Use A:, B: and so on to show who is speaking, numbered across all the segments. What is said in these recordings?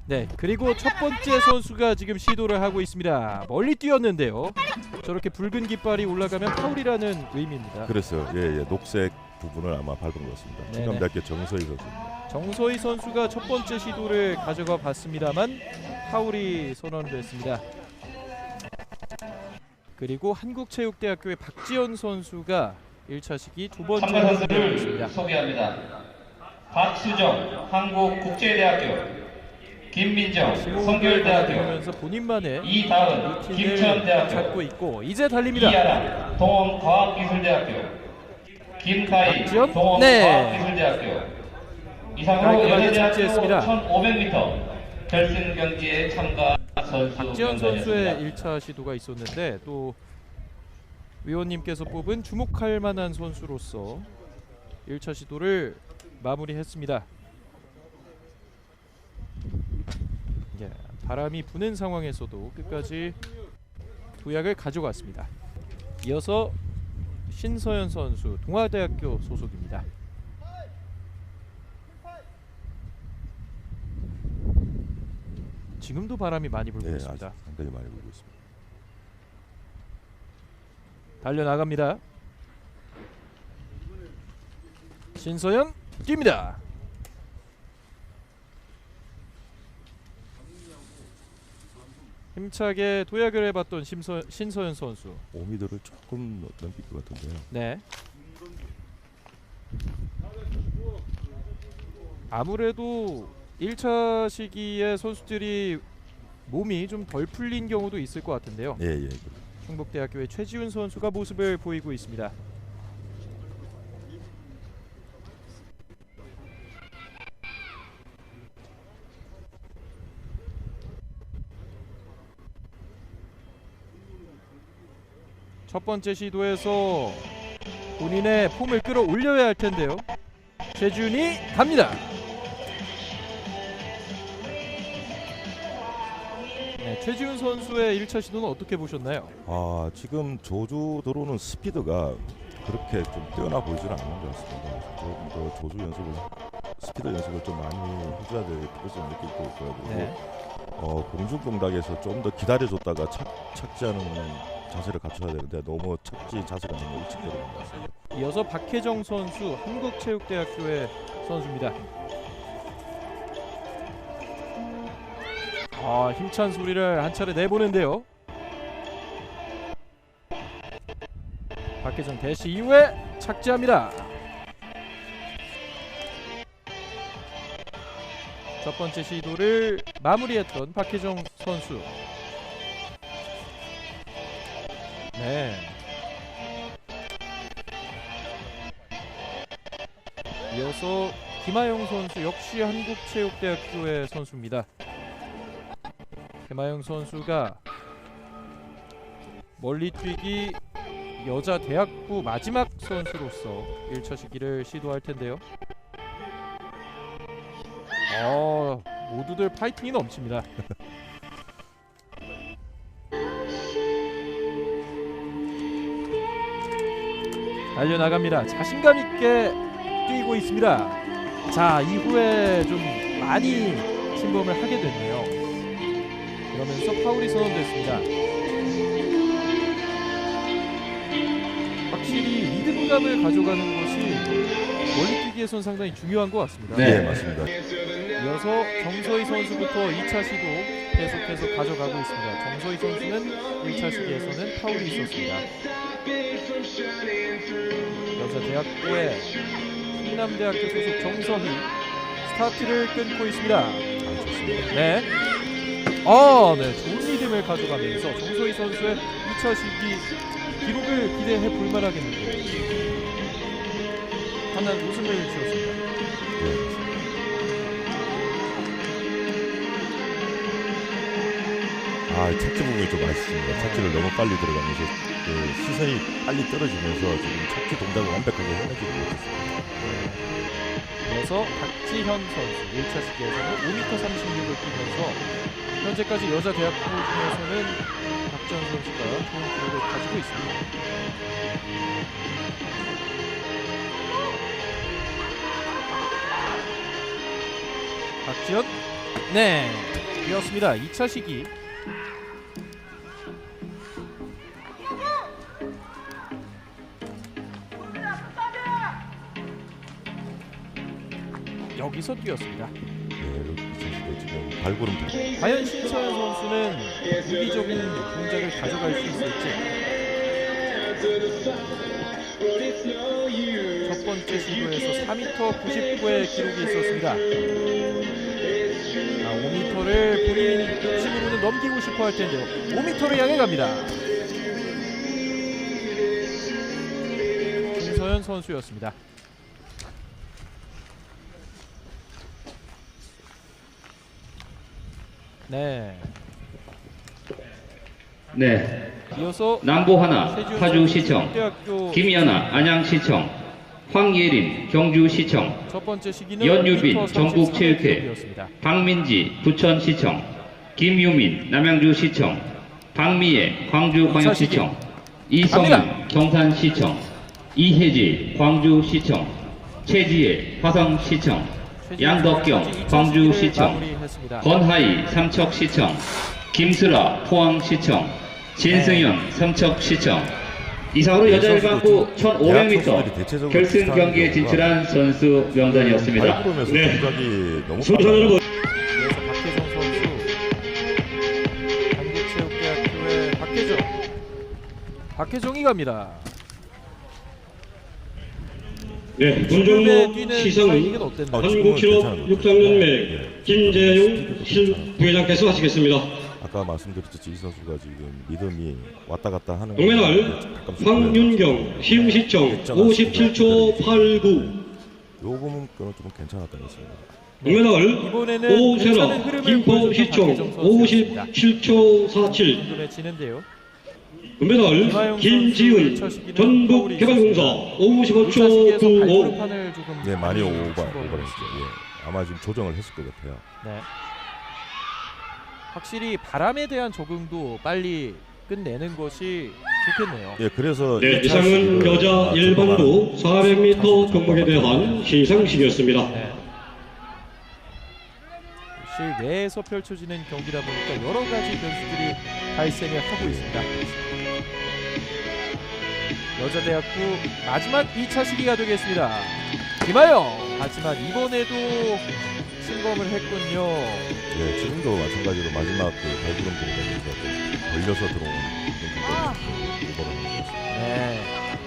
A: 네, 그리고 첫 번째 선수가 지금 시도를 하고 있습니다. 멀리 뛰었는데요. 저렇게 붉은 깃발이 올라가면 파울이라는 의미입니다.
B: 그래서 예, 녹색 부분을 아마 밟은 것 같습니다.
A: 네네.
B: 충남대학교 정서희 선수입니다.
A: 정서희 선수가 첫 번째 시도를 가져가 봤습니다만 파울이 선언됐습니다. 그리고 한국체육대학교의 박지현 선수가 1차 시기 두 번째
C: 참가
A: 시도를
C: 선수를
A: 했습니다.
C: 소개합니다. 박수정 한국국제대학교, 김민정 성결대학교,
A: 보면서 본인만의
C: 이다은
A: 루틴을
C: 김천대학교,
A: 찾고 있고 이제 달립니다.
C: 이하람 동원과학기술대학교, 김가희
A: 박지현?
C: 동원과학기술대학교. 이상으로
A: 깔끔하게
C: 여자대학교
A: 착지했습니다.
C: 1500m 결승 경기에 참가 선수
A: 박지현
C: 명단이었습니다.
A: 선수의 1차 시도가 있었는데 또 위원님께서 뽑은 주목할 만한 선수로서 1차 시도를 마무리했습니다. 예, 바람이 부는 상황에서도 끝까지 도약을 가져갔습니다. 이어서 신서연 선수 동아대학교 소속입니다. 지금도 바람이 많이 불고
B: 네,
A: 있습니다.
B: 아주 상당히 많이 불고 있습니다.
A: 달려나갑니다. 신서연 뜁니다. 힘차게 도약을 해봤던 신서연 선수.
B: 5m를 조금 넘길 것 같은데요.
A: 네. 아무래도 1차 시기에 선수들이 몸이 좀 덜 풀린 경우도 있을 것 같은데요.
B: 예.
A: 충북대학교의 최지훈 선수가 모습을 보이고 있습니다. 첫 번째 시도에서 본인의 폼을 끌어올려야 할 텐데요. 최지훈이 갑니다. 네, 최지훈 선수의 1차 시도는 어떻게 보셨나요?
B: 아, 지금 조주 들어오는 스피드가 그렇게 좀 뛰어나 보이지는 않는 것 같습니다. 조금 더 조주 연습을, 스피드 연습을 좀 많이 해줘야 될 필요성을 느끼고 있고요. 그리고
A: 네.
B: 공중 동작에서 좀 더 기다려줬다가 착지하는 자세를 갖춰야 되는데 너무 착지 자세가 너무 일찍 들어간 것 같습니다.
A: 이어서 박혜정 선수 한국체육대학교의 선수입니다. 힘찬 소리를 한 차례 내보는데요. 박혜정 대시 이후에 착지합니다. 첫 번째 시도를 마무리했던 박혜정 선수. 네. 이어서 김하영 선수 역시 한국체육대학교의 선수입니다. 김하영 선수가 멀리 뛰기 여자 대학부 마지막 선수로서 1차 시기를 시도할 텐데요. 모두들 파이팅이 넘칩니다. 달려나갑니다. 자신감 있게 뛰고 있습니다. 자, 이후에 좀 많이 침범을 하게 됐네요. 그러면서 파울이 선언됐습니다. 확실히 리듬감을 가져가는 것이 멀리뛰기에선 상당히 중요한 것 같습니다.
B: 네, 맞습니다.
A: 이어서 정서희 선수부터 2차 시도 계속해서 가져가고 있습니다. 정서희 선수는 1차 시기에서는 파울이 있었습니다. 여자 대학부의 충남대학교 소속 정서희 스타트를 끊고 있습니다.
B: 좋습니다.
A: 네. 네, 좋은 리듬을 가져가면서 정서희 선수의 2차 시기 기록을 기대해 볼 만하겠는데요. 하나 웃음을 지었습니다.
B: 착지 부분이 좀 아쉽습니다. 착지를 너무 빨리 들어가면서 시선이 빨리 떨어지면서 지금 착지 동작을 완벽하게 해내지 못했습니다.
A: 그래서 박지현 선수 1차 시기에서는 5m 36을 뛰면서 현재까지 여자 대학부 중에서는 박지현 선수가 좋은 기록을 가지고 있습니다. 박지현 네, 이었습니다. 2차 시기. 여기서 뛰었습니다.
B: 네, 여기 지금 발구름
A: 과연 신서현 선수는 유리적인 동작을 가져갈 수 있을지. 첫 번째 시도에서 4m 99의 기록이 있었습니다. 5m를 본인 욕심으로는 넘기고 싶어 할 텐데요. 5m를 향해 갑니다. 신서현 선수였습니다. 네.
C: 네.
A: 이어서
C: 남보하나 파주시청,
A: 대학교
C: 김연아 안양시청, 황예림 경주시청,
A: 첫 번째 시기는
C: 연유빈
A: 5m 33
C: 전국체육회,
A: 기록이었습니다.
C: 박민지 부천시청, 김유민 남양주시청, 박미애 광주광역시청, 이성윤 경산시청, 이혜지 광주시청, 최지혜 화성시청, 양덕경 광주시청,
A: 마무리했습니다.
C: 권하희 삼척시청, 김슬아 포항시청, 진승현 삼척시청. 이상으로 여자 일반부 1500m 결승 경기에 진출한 선수 명단이었습니다.
B: 발구름에서
C: 네.
B: 동작이 너무
C: 순서대로
A: 이어서 박혜정 선수, 한국체육대학교의 박혜정이 갑니다.
D: 네,
A: 지금의
D: 문종목
A: 뛰는
D: 시상은
A: 타이밍은 어땠나요?
D: 한국기록 육상연맹 김재용 실부회장께서 하시겠습니다.
B: 아까 말씀드렸듯이 이 선수가 지금 리듬이 왔다 갔다 하는
D: 동메달 황윤경 심시청 57초 89.
B: 요 부분은 좀 괜찮았던 것 같습니다.
D: 동메달
A: 이번에는 괜찮은
D: 오세라
A: 흐름을
D: 김포시청
A: 보여준 박혜정
D: 57초 47.
A: 궁금해지는데요.
D: 금메달 김지은 전북개발공사 55초 95.
A: 발판을 조금
B: 네, 많이 오버했죠.
A: 오버했죠.
B: 예. 아마 지금 조정을 했을 것 같아요.
A: 네. 확실히 바람에 대한 적응도 빨리 끝내는 것이 좋겠네요.
B: 예, 그래서
D: 네,
B: 이
D: 이상은
B: 차식을
D: 여자 일반부 400m 종목에 대한 시상식이었습니다.
A: 네. 실내에서 펼쳐지는 경기다 보니까 여러 가지 변수들이 발생을 하고 있습니다. 여자대학부 마지막 2차 시기가 되겠습니다. 김하영! 하지만 이번에도 침범을 했군요.
B: 예, 지금도 마찬가지로 마지막 그 발구름 동작에서 좀 걸려서 들어온 그런 부분이었습니다.
A: 네.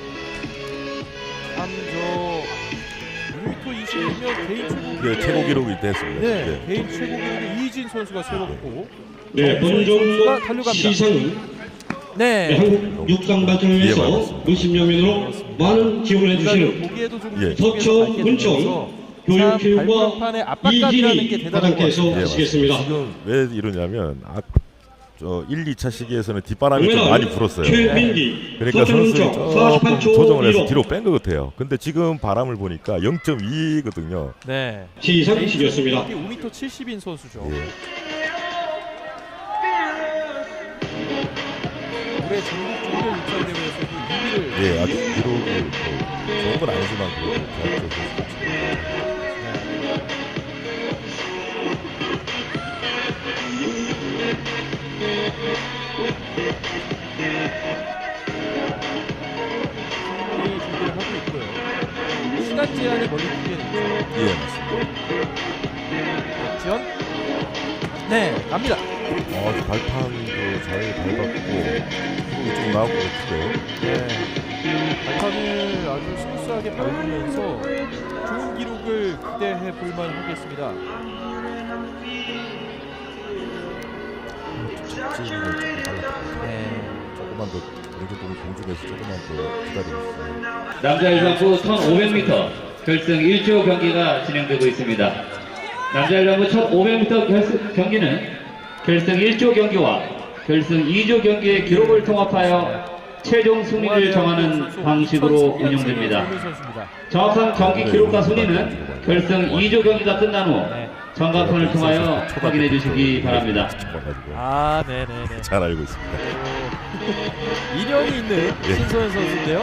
A: 참 6m 26면 개인 최고
B: 이게 최고 기록이 됐습니다.
A: 네,
B: 예.
A: 개인 최고 기록을 이진 선수가 세웠고
D: 네, 본종목 시상은
A: 네.
D: 한국 육상 발전을 위해서 몇십여 명으로 많은 지원을 해주시는
A: 보기에도 좀
B: 예.
D: 서천 문청 교육교육과 이진희 과장께서 하시겠습니다.
B: 지금 왜 이러냐면 저 1, 2차 시기에서는 뒷바람이 좀
D: 동메달
B: 많이 불었어요.
D: 최민기
B: 그러니까
D: 서천
B: 선수들이
D: 문청
B: 조금
D: 48초
B: 조정을 해서
D: 1호.
B: 뒤로 뺀 것 같아요. 근데 지금 바람을 보니까 0.2거든요.
A: 네.
D: 시상식이었습니다.
A: 5m 70인 선수죠.
B: 예.
A: 올해 전국 종교 육상 대회에서도 2위를
B: 예, 아주 기록이 좋은 건 아니지만 그래도 대학교 선수가
A: 준비를 하고 있고요. 시간 제한에 멀리 뛰는
B: 예, 맞습니다.
A: 지원. 네, 갑니다.
B: 발판도 잘 밟았고 기록이 좀 나오고 그렇고요.
A: 네. 발판을 아주 스무스하게 밟으면서 좋은 기록을 기대해 볼만 하겠습니다.
B: 착지는 조금 빨랐고
A: 네.
B: 조금만 더 공중에서 조금만 더 기다려주세요.
C: 남자 일반부 1500m 결승 1조 경기가 진행되고 있습니다. 남자 일반부 1500m 경기는 결승 1조 경기와 결승 2조 경기의 기록을 통합하여 최종 순위를 정하는 방식으로 운영됩니다. 정확한 경기 기록과 순위는 결승 2조 경기가 끝난 후 전광판을 통하여 확인해 주시기 바랍니다.
A: 아, 네네네.
B: 잘 알고 있습니다.
A: 인연이 있는
B: 예.
A: 신서현 선수인데요.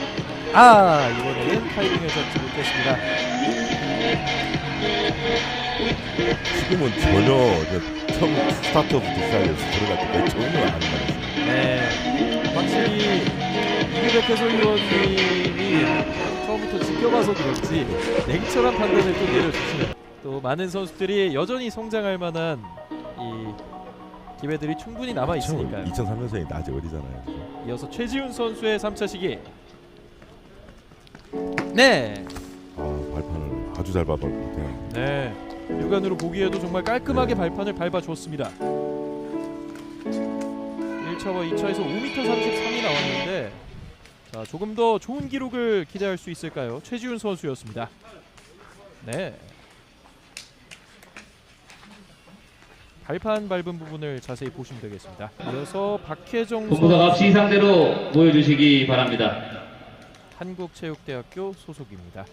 A: 아, 이번에는 타이밍을 잡지 못했습니다.
B: 지금은 전혀 처음 스타트부터 시작해서 들어갈 때 전혀 안 나왔어요.
A: 네, 확실히 이규백 해설위원님이 처음부터 지켜봐서 그런지 냉철한 판단을 또 내려주시네요. 또 많은 선수들이 여전히 성장할 만한 이 기회들이 충분히 남아 있으니까요.
B: 2003년생이 아직 어리잖아요. 그죠?
A: 이어서 최지훈 선수의 3차 시기. 네,
B: 발판을 아주 잘 밟을 것 같아요.
A: 네, 육안으로 보기에도 정말 깔끔하게 발판을 밟아줬습니다. 1차와 2차에서 5m 33이 나왔는데 자, 조금 더 좋은 기록을 기대할 수 있을까요? 최지훈 선수였습니다. 네, 발판 밟은 부분을 자세히 보시면 되겠습니다. 이어서 박혜정
C: 본부석 앞
A: 선수,
C: 시상대로 모여주시기 바랍니다.
A: 한국체육대학교 소속입니다.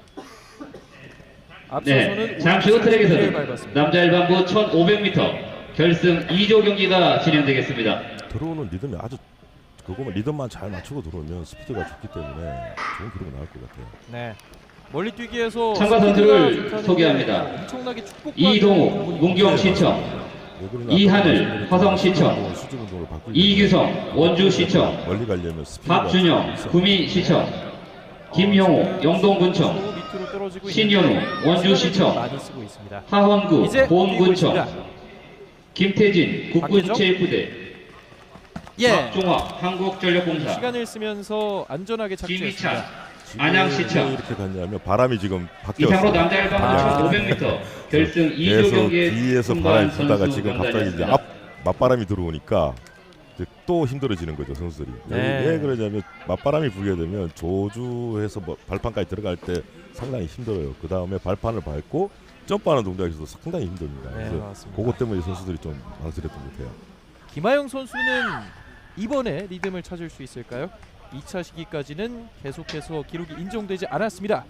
C: 네,
A: 앞서서는
C: 잠시 후
A: 5m
C: 트랙에서는
A: 밟았습니다.
C: 남자 일반부 1500m 결승 2조 경기가 진행되겠습니다.
B: 들어오는 리듬이 아주 그거만 리듬만 잘 맞추고 들어오면 스피드가 좋기 때문에 좋은 기록이 나올 것 같아요.
A: 네, 멀리 뛰기에서
C: 참가 선수를 소개합니다.
A: 엄청나게 축복받는
C: 이동욱,
A: 부분이
C: 문경시청,
B: 왜 그러냐,
C: 이하늘, 화성시청,
B: 수준 운동을 바꾸기
C: 이규성, 원주시청,
B: 멀리 가려면 스피드가
C: 박준영,
B: 있어요.
C: 구미시청, 김용호, 영동군청,
A: 밑으로 떨어지고
C: 신현우,
A: 있는데
C: 원주시청,
A: 많이 쓰고 있습니다.
C: 하원구,
A: 이제 뛰고
C: 보험군청,
A: 있습니다.
C: 김태진, 국군체육부대,
A: 예,
C: 박종학, 한국전력공사,
A: 시간을 쓰면서 안전하게 착지했습니다.
C: 김희찬,
B: 지금
C: 안양시청.
B: 왜 이렇게 갔냐면 바람이 지금
C: 이상으로
B: 바뀌었어요.
C: 남자 일반부 1500m 결승 2조
B: 계속
C: 경기에
B: 뒤에서
C: 승부한
B: 바람이 불다가
C: 선수
B: 지금 갑자기 이제
C: 명단이었습니다.
B: 앞 맞바람이 들어오니까 이제 또 힘들어지는 거죠 선수들이.
A: 네.
B: 왜 그러냐면 맞바람이 불게 되면 조주해서 뭐 발판까지 들어갈 때 상당히 힘들어요. 그 다음에 발판을 밟고 점프하는 동작에서도 상당히 힘듭니다.
A: 네,
B: 그래서
A: 맞습니다.
B: 그것 때문에 선수들이 좀 망설였던 것 같아요.
A: 김하영 선수는 이번에 리듬을 찾을 수 있을까요? 2차 시기까지는 계속해서 기록이 인정되지 않았습니다.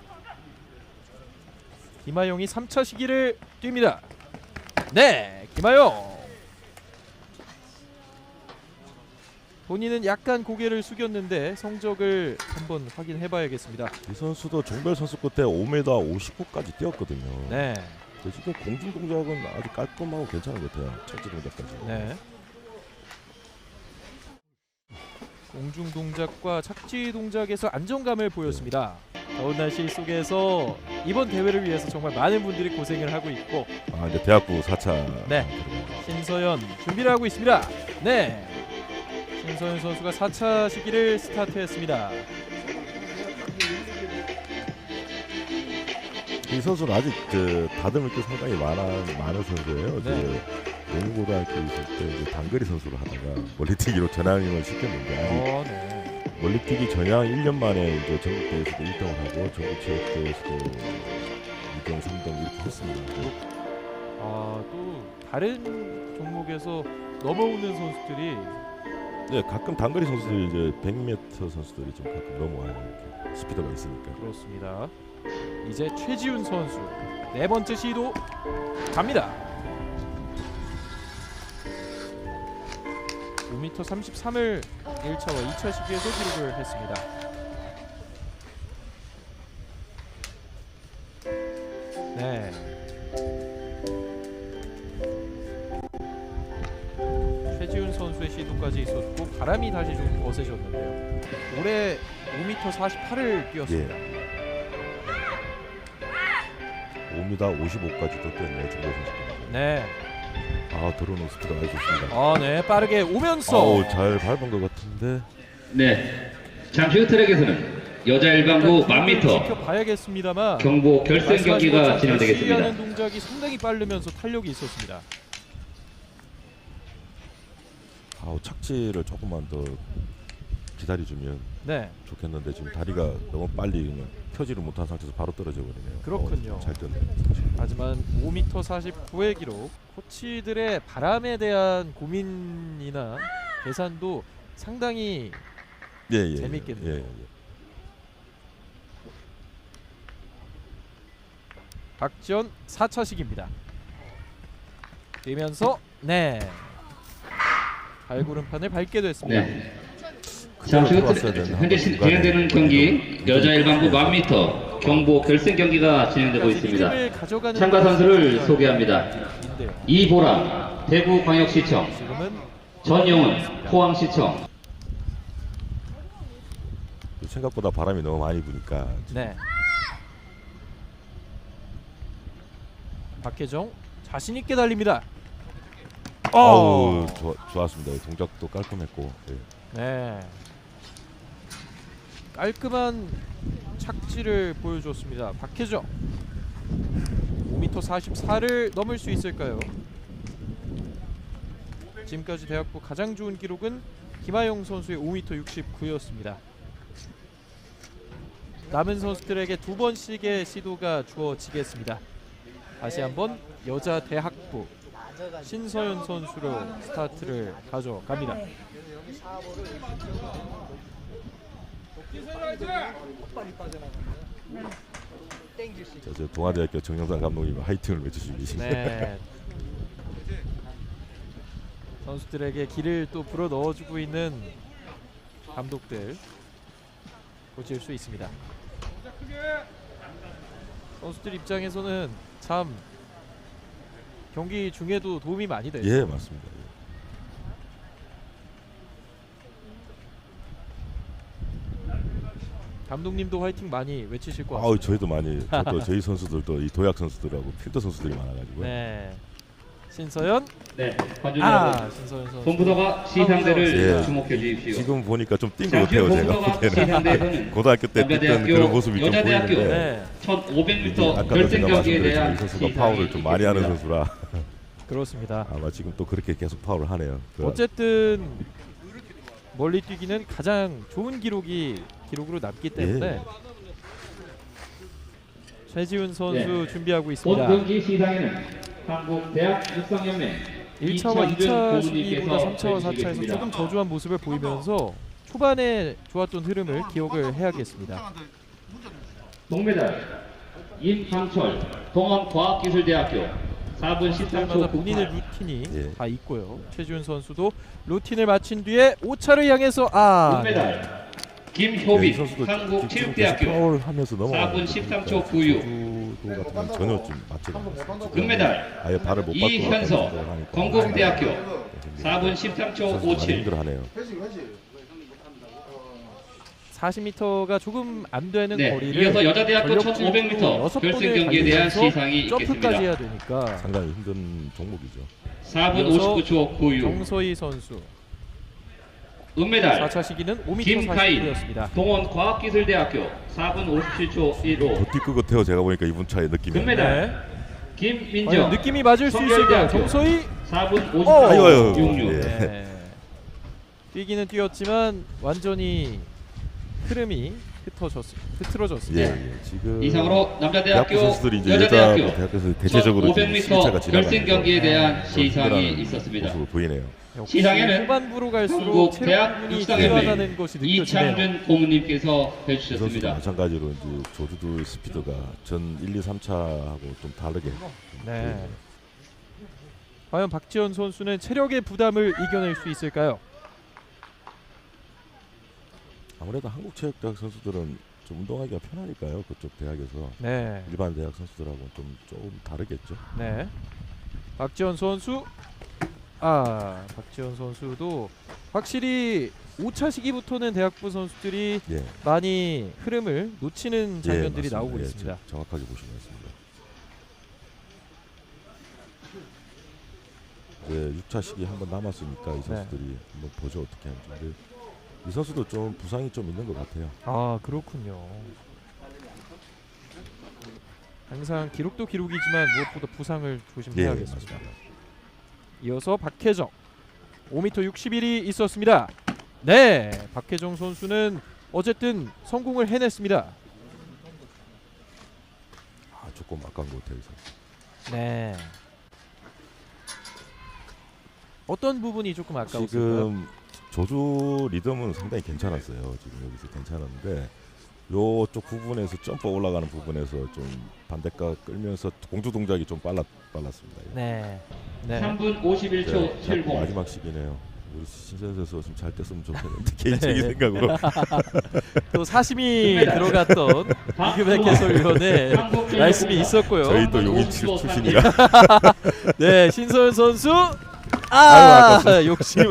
A: 김하영이 3차 시기를 뜁니다. 네, 김하영. 본인은 약간 고개를 숙였는데 성적을 한번 확인해봐야겠습니다.
B: 이 선수도 종별 선수 끝에 5m 59까지 뛰었거든요.
A: 네,
B: 근데 지금 공중 동작은 아주 깔끔하고 괜찮은 것 같아요. 착지 동작까지.
A: 네. 공중 동작과 착지 동작에서 안정감을 보였습니다. 더운 날씨 속에서 이번 대회를 위해서 정말 많은 분들이 고생을 하고 있고
B: 이제 대학부 4차.
A: 네. 신서연 준비를 하고 있습니다. 네, 신서연 선수가 4차 시기를 스타트했습니다.
B: 이 선수는 아직 다듬을 게 상당히 많은 선수예요.
A: 네.
B: 농구고등학교 있을 때 이제 단거리 선수를 하다가 멀리뛰기로 전향을 시켰는데 아직
A: 네.
B: 멀리뛰기 전향 1년 만에 이제 전국대회에서도 1등을 하고 전국체육대회에서도 2등, 3등 이렇게 했습니다.
A: 또 다른 종목에서 넘어오는 선수들이
B: 네, 가끔 단거리 선수들이 이제 100m 선수들이 좀 가끔 넘어와요. 이렇게 스피드가 있으니까.
A: 그렇습니다. 이제 최지훈 선수 네 번째 시도 갑니다. 5m 33을 1차와 2차 시기에서 기록을 했습니다. 네. 최지훈 선수의 시도까지 있었고 바람이 다시 좀 거세졌는데요. 올해 5m 48을 뛰었습니다.
B: 5m 55까지도 뛰었네요. 중国선수들.
A: 네.
B: 들어오는 스피드가 아주 좋습니다.
A: 네, 빠르게 오면서
B: 잘 밟은 것 같은데.
C: 네, 잠시 후 트랙에서는 여자 일반부 1000m
A: 지켜봐야겠습니다만
C: 경보 결승 경기가 진행되겠습니다.
A: 하는 동작이 상당히 빠르면서 탄력이 있었습니다.
B: 착지를 조금만 더 기다려주면
A: 네,
B: 좋겠는데 지금 다리가 너무 빨리 그냥 펴지를 못한 상태에서 바로 떨어져 버리네요.
A: 그렇군요.
B: 잘 뛰었네요.
A: 하지만 5m 49의 기록, 코치들의 바람에 대한 고민이나 계산도 상당히
B: 예.
A: 재밌겠네요.
B: 예.
A: 박지원 4차 시기입니다. 뛰면서 네, 발구름판을 밟게 됐습니다.
C: 네. 잠시 후 현재 진행되는 경기 여자 일반부 1000m 경보 결승 경기가 진행되고 있습니다.
A: 리듬을 가져가는
C: 참가 선수를
A: 선수가
C: 소개합니다.
A: 있는데요.
C: 이보람 대구광역시청,
A: 지금은
C: 전용훈 포항시청.
B: 생각보다 바람이 너무 많이 부니까
A: 네. 박혜정 자신 있게 달립니다.
B: 아우 좋았습니다. 동작도 깔끔했고. 네.
A: 네. 깔끔한 착지를 보여줬습니다. 박혜정 5m 44를 넘을 수 있을까요? 지금까지 대학부 가장 좋은 기록은 김하영 선수의 5m 69였습니다. 남은 선수들에게 2번씩의 시도가 주어지겠습니다. 다시 한번 여자 대학부 신서연 선수로 스타트를 가져갑니다.
B: 저 동아대학교 정영상 감독님 화이팅을 외쳐주고 계십니다.
A: 네. 선수들에게 길을 또 불어 넣어주고 있는 감독들 보실 수 있습니다. 선수들 입장에서는 참 경기 중에도 도움이 많이 되죠.
B: 예, 맞습니다. 예.
A: 감독님도 화이팅 많이 외치실 것
B: 아우
A: 같습니다.
B: 저희도 많이 저도 저희 선수들도 이 도약 선수들하고 필드 선수들이 많아가지고
A: 네. 신서연
C: 네, 관중 여러분,
A: 신서연 선수
C: 본부도가 시상대를
B: 예.
C: 주목해 주십시오.
B: 지금 보니까 좀 뛴
C: 자,
B: 것 같아요. 제가
C: 본부도가
B: 보기에는
C: 시상대에서는
B: 고등학교 때 뛰던
C: 남자대학교,
B: 그런 모습이 좀
C: 여자대학교
B: 보이는데
A: 네.
C: 1500m
B: 아까도
C: 결승
B: 제가
C: 경기에
B: 말씀드렸지만
C: 대한
B: 이 선수가
C: 시상이
B: 파울을 좀 많이 하는
C: 있겠습니다.
B: 선수라
A: 그렇습니다.
B: 아마 지금 또 그렇게 계속 파울을 하네요.
A: 어쨌든 멀리 뛰기는 가장 좋은 기록으로 남기 때문에
B: 예.
A: 최지훈 선수
C: 네.
A: 준비하고
C: 본
A: 있습니다.
C: 경기 시상에는 한국 대학 육상연맹
A: 1차와 2차
C: 이창준
A: 시기보다
C: 고문님께서
A: 3차와 4차에서
C: 해주시겠습니다.
A: 조금 저조한 모습을 보이면서 초반에 좋았던 흐름을 기억을 해야겠습니다.
C: 동메달 임상철 동원과학기술대학교 4분 13초
A: 때마다 본인의
C: 98.
A: 루틴이
B: 예.
A: 다 있고요. 최지훈 선수도 루틴을 마친 뒤에 5차를 향해서
C: 금메달
B: 이
C: 김효빈
B: 선수도
C: 한국
B: 지금 계속
C: 체육대학교
B: 파울 하면서 넘어가는
C: 4분 13초 96.
B: 조도 같은 건 전혀 좀 맞지 않았어요.
C: 금메달
B: 아예 발을 못 받고
C: 이현서
B: 하니까
C: 건국대학교
B: 네,
C: 4분 13초
B: 많이
C: 57.
B: 힘들어하네요.
A: 40m가 조금 안 되는
C: 네,
A: 거리를
C: 이어서 여자대학교
A: 전력질로
C: 1500m
A: 여섯
C: 결승
A: 번을
C: 경기에 대한
A: 달리면서
C: 시상이
A: 점프까지
C: 있겠습니다.
A: 해야 되니까
B: 상당히 힘든 종목이죠.
C: 4분
A: 이어서
C: 59초 96.
A: 정서희 선수
C: 은메달
A: 4차 시기는 5m
C: 김카인
A: 49였습니다.
C: 동원과학기술대학교 4분 57초 15.
B: 더 뛸 것 같아요. 제가 보니까 이분 차의 느낌이.
C: 금메달 김민정
A: 느낌이 맞을 수 있을까요?
C: 성결대학교.
A: 정서희
C: 4분
B: 아이고,
C: 58초 66.
B: 예.
A: 네. 뛰기는 뛰었지만 완전히 흐름이 흐트러졌습니다.
B: 예, 예. 지금
C: 이상으로
B: 대학부
C: 남자대학교
B: 선수들이 이제
C: 여자대학교
B: 대학교에서 대체적으로 지금
C: 1500m
B: 시차가
C: 결승
B: 지나가면서
C: 경기에 대한
B: 좀
C: 시상이
B: 힘들어하는
C: 있었습니다.
B: 모습을 보이네요.
A: 역시
C: 시상에는
A: 후반부로 갈수록
C: 한국
A: 체력
C: 대학
A: 부분이
C: 육상연맹
A: 늘어나는 것이 느껴지네요.
C: 이창준 고문님께서
B: 이 선수도
C: 해주셨습니다.
B: 마찬가지로 이제 조주도 스피드가 전 1, 2, 3차하고 좀 다르게
A: 네. 과연 박지원 선수는 체력의 부담을 이겨낼 수 있을까요?
B: 아무래도 한국체육대학 선수들은 좀 운동하기가 편하니까요. 그쪽 대학에서
A: 네.
B: 일반 대학 선수들하고는 좀 다르겠죠.
A: 네. 박지원 선수 박지원 선수도 확실히 5차 시기부터는 대학부 선수들이
B: 예,
A: 많이 흐름을 놓치는 장면들이
B: 맞습니다.
A: 나오고
B: 예,
A: 있습니다.
B: 정확하게 보시면 있습니다. 이제 6차 시기 한 번 남았으니까 이 선수들이 한번 보죠 어떻게 하는지. 근데 이 선수도 좀 부상이 좀 있는 것 같아요.
A: 아, 그렇군요. 항상 기록도 기록이지만 무엇보다 부상을 조심해야겠습니다.
B: 맞습니다.
A: 이어서 박혜정 5m 61이 있었습니다. 네, 박혜정 선수는 어쨌든 성공을 해냈습니다.
B: 아, 조금 아까운 것 같아요. 이 선수.
A: 네. 어떤 부분이 조금 아까웠을까요?
B: 지금 조주 리듬은 상당히 괜찮았어요. 지금 여기서 괜찮았는데 요쪽 부분에서 점프 올라가는 부분에서 좀 반대각 끌면서 공주 동작이 좀 빨랐습니다. 예.
A: 네. 네.
C: 3분 51초
B: 네,
C: 70.
B: 마지막 시기네요. 우리 신선 선수가 좀 잘 됐으면 좋겠는데 개인적인 생각으로.
A: 또 사심이 들어갔던 이규백 해설위원의 말씀이 있었고요.
B: 저희도 용인 출신이라.
A: 네, 신서현 선수
B: 아이고,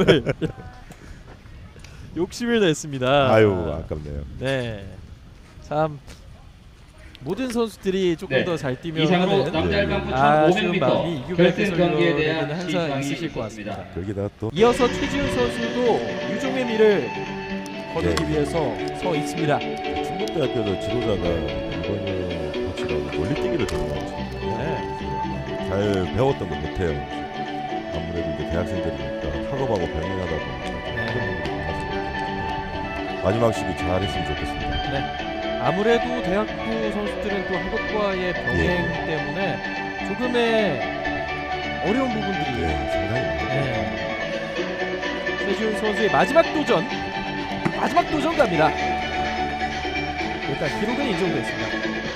A: 욕심을 냈습니다.
B: 아유 아깝네요.
A: 네, 참 모든 선수들이 조금
C: 네.
A: 더 잘 뛰면
C: 이상으로
A: 하는
C: 남자 일반부
A: 아쉬운 마음이
C: 1500m
A: 이규백
C: 결승 경기에
A: 해설위원에게는
C: 대한
A: 항상
C: 시상이
A: 있으실 것
C: 있습니다.
A: 같습니다.
B: 거기다가 또
A: 이어서 최지훈 선수도 유종의 미를 거두기
B: 네.
A: 위해서 서 있습니다.
B: 충북대학교도 지도자가 이번에 코치라고 멀리뛰기를 전공하거든요.
A: 네.
B: 잘 배웠던 거 못해요. 아무래도 이제 대학생들이니까 학업하고 병행하다 보니까 좀 힘든 부분이 많아서 마지막 시기 잘했으면 좋겠습니다.
A: 아무래도 대학부 선수들은 또 학업과의 병행 때문에 조금의 어려운 부분들이
B: 네, 상당히 많아요.
A: 네. 최지훈 선수의 마지막 도전 갑니다. 일단 기록은 인정됐습니다.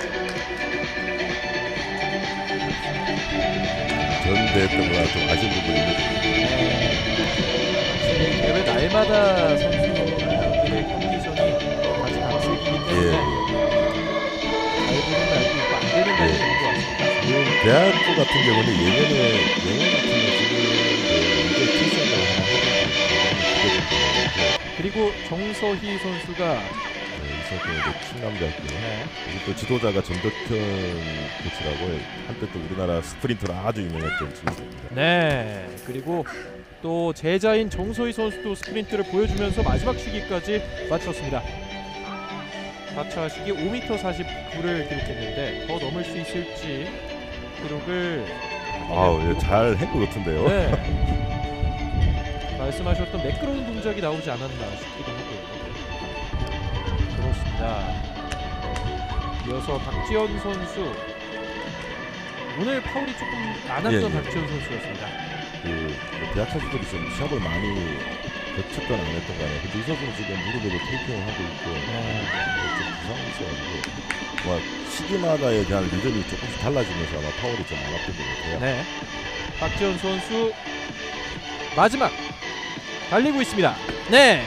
B: 전대했던 거랑 좀 아쉬운 부분이 있는데
A: 확실히 대회 날마다 선수들의 컨디션이 아주 각색이기 때문에 알고는 알고 있고 안 되는 날이 있는 것 같습니다.
B: 지금 대학부 같은 경우는 예년 같은 경우 지금 이제 출전을 하나 해야
A: 그리고 정서희 선수가
B: 이성경 충남대학교
A: 네.
B: 그리고 또 지도자가 전덕현 코치라고 한때 또 우리나라 스프린터로 아주 유명했던 친구입니다.
A: 네, 그리고 또 제자인 정소희 선수도 스프린트를 보여주면서 마지막 시기까지 마쳤습니다. 4차 시기 5m 49를 기록했는데 더 넘을 수 있을지 기록을
B: 아우 잘한 것 같은데요.
A: 네. 말씀하셨던 매끄러운 동작이 나오지 않았나 싶기도 하고요. 그렇습니다. 이어서 박지현 선수, 오늘 파울이 조금 많았던
B: 예, 예.
A: 박지현 선수였습니다.
B: 그 대학 선수들이 좀 시합을 많이 거쳤던 안 했던 간에 근데 이 선수는 지금 무릎에도 테이핑을 하고 있고 좀 부상이 있어가지고 뭐 시기마다에 대한 리듬이 조금씩 달라지면서 아마 파울이 좀 많았던 것 같아요.
A: 네. 박지현 선수 마지막 달리고 있습니다. 네.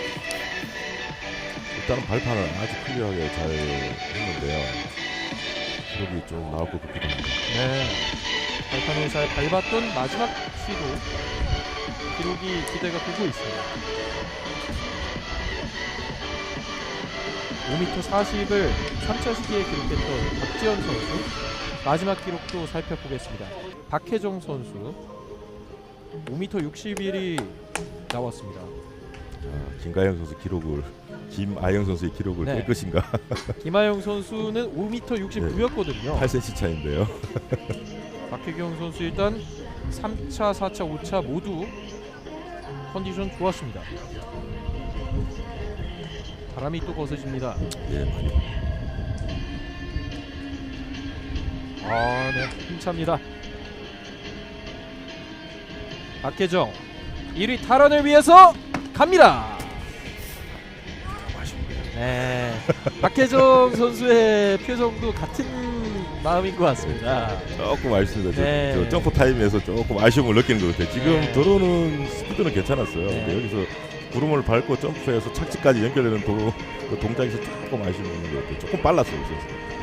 B: 일단은 발판을 아주 클리어하게 잘 했는데요. 기록이 좀 나올 것 같기도 합니다.
A: 네. 발판을 잘 밟았던 마지막 시도 기록이 기대가 되고 있습니다. 5m 40을 3차 시기에 기록했던 박지현 선수 마지막 기록도 살펴보겠습니다. 박혜정 선수 5m 61이 나왔습니다.
B: 김가영 선수 기록을 김아영 선수의 기록을
A: 네.
B: 깰 것인가?
A: 김하영 선수는 5m 69였거든요.
B: 8cm 차인데요.
A: 박혜경 선수 일단 3차, 4차, 5차 모두 컨디션 좋았습니다. 바람이 또 거세집니다.
B: 예, 많이.
A: 네, 힘찹니다. 박혜정 1위 탈환을 위해서 갑니다. 네, 박혜정 선수의 표정도 같은 마음인 것 같습니다.
B: 조금 아쉽습니다.
A: 네.
B: 저 점프 타임에서 조금 아쉬움을 느끼는 것 같아요. 지금
A: 네.
B: 도로는 스피드는 괜찮았어요.
A: 네.
B: 근데 여기서 구름을 밟고 점프해서 착지까지 연결되는 도로 그 동작에서 조금 아쉬움이 있는 것 같아요. 조금 빨랐어요. 그래서.